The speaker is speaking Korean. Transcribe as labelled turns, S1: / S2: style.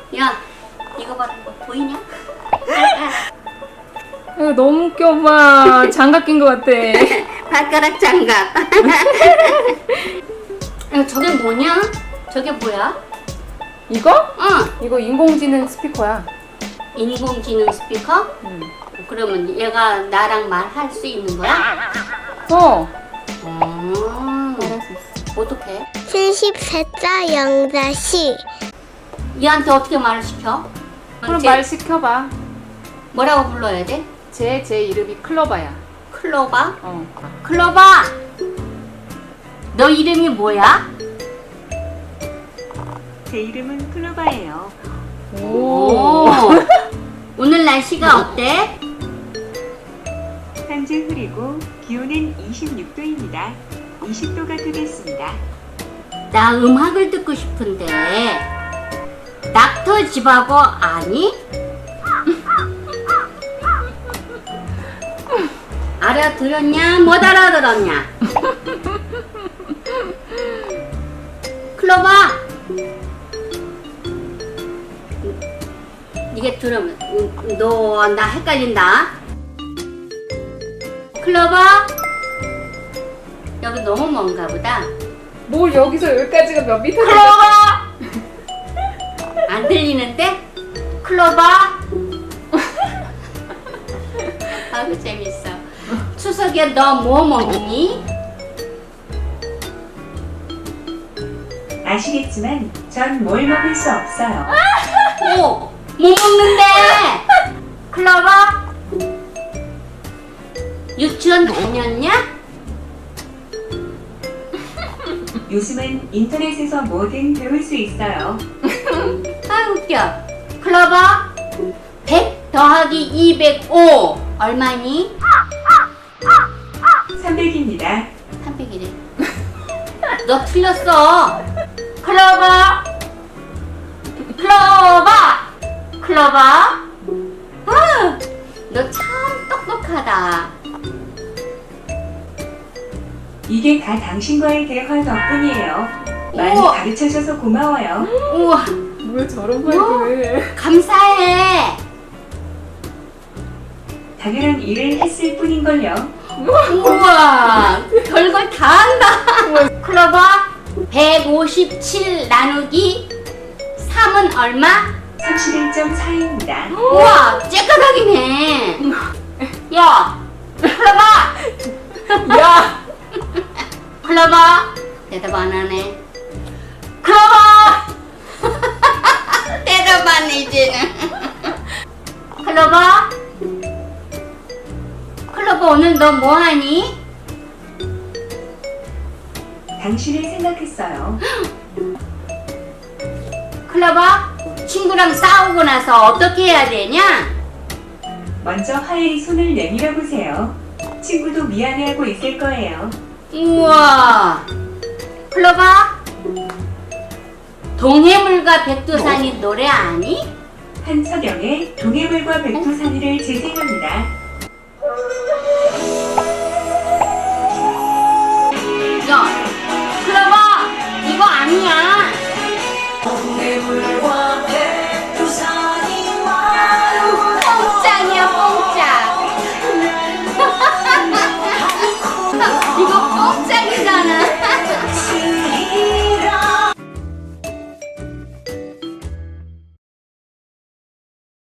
S1: 야, 이거 봐라. 보이냐?
S2: 너무 웃겨, 엄마. 장갑 낀 것 같아.
S1: 발가락 장갑. 저게 뭐냐? 저게 뭐야?
S2: 이거?
S1: 응.
S2: 이거 인공지능 스피커야.
S1: 인공지능 스피커?
S2: 응.
S1: 그러면 얘가 나랑 말할 수 있는 거야?
S2: 말할 수 있어.
S1: 어떻게?
S3: 74자 영자씨.
S1: 얘한테 어떻게 말을 시켜?
S2: 그럼
S1: 쟤
S2: 말 시켜봐.
S1: 뭐라고 불러야 돼?
S2: 제 이름이 클로바야.
S1: 클로바?
S2: 어.
S1: 클로바! 너 이름이 뭐야?
S4: 제 이름은 클로바예요.
S1: 오. 오늘 날씨가 어때?
S4: 현재 흐리고 기온은 26도입니다. 20도가 되겠습니다.
S1: 나 음악을 듣고 싶은데 닥터 지바고 아니? 알아들었냐? 못 알아들었냐? 클로바! 이게 들으면 너 나 헷갈린다. 클로바? 여기 너무 먼가 보다.
S2: 뭘 여기서 여기까지가 몇 미터 되겠어?
S1: 클로바! 안 들리는데? 클로바? 아주 재밌어. 추석에 너 뭐 먹니?
S4: 아시겠지만 전 뭘 먹을 수 없어요.
S1: 오! 뭐 먹는데? 클로바? 유치원 다녔냐?
S4: 요즘은 인터넷에서 뭐든 배울 수 있어요.
S1: 아 웃겨. 클로바? 100 더하기 205 얼마니?
S4: 300입니다.
S1: 300이래. 너 틀렸어. 클로바. 클로바. 클로바. 너 참 똑똑하다.
S4: 이게 다 당신과의 대화 덕분이에요. 많이
S1: 우와.
S4: 가르쳐줘서 고마워요.
S1: 우와,
S2: 뭘 저런 말을 해.
S1: 감사해.
S4: 당연한 일을 했을 뿐인걸요.
S1: 우와, 별걸 다 한다. 클로바, 157 나누기 3은 얼마?
S4: 31.4입니다.
S1: 우와, 째까닥이네. 야, 클로바.
S2: 야!
S1: 클로바. 대답 안 하네. 클로바. 대답 안 해, 이제는. 클로바. 클로바, 오늘 너 뭐 하니?
S4: 당신을 생각했어요.
S1: 클로바, 친구랑 싸우고 나서 어떻게 해야 되냐?
S4: 먼저 화해의 손을 내밀어 보세요. 친구도 미안해하고 있을 거예요.
S1: 우와. 클로바, 동해물과 백두산이 노래 아니?
S4: 한서경의 동해물과 백두산이를 재생합니다.
S1: 야, 클로바, 이거 아니야.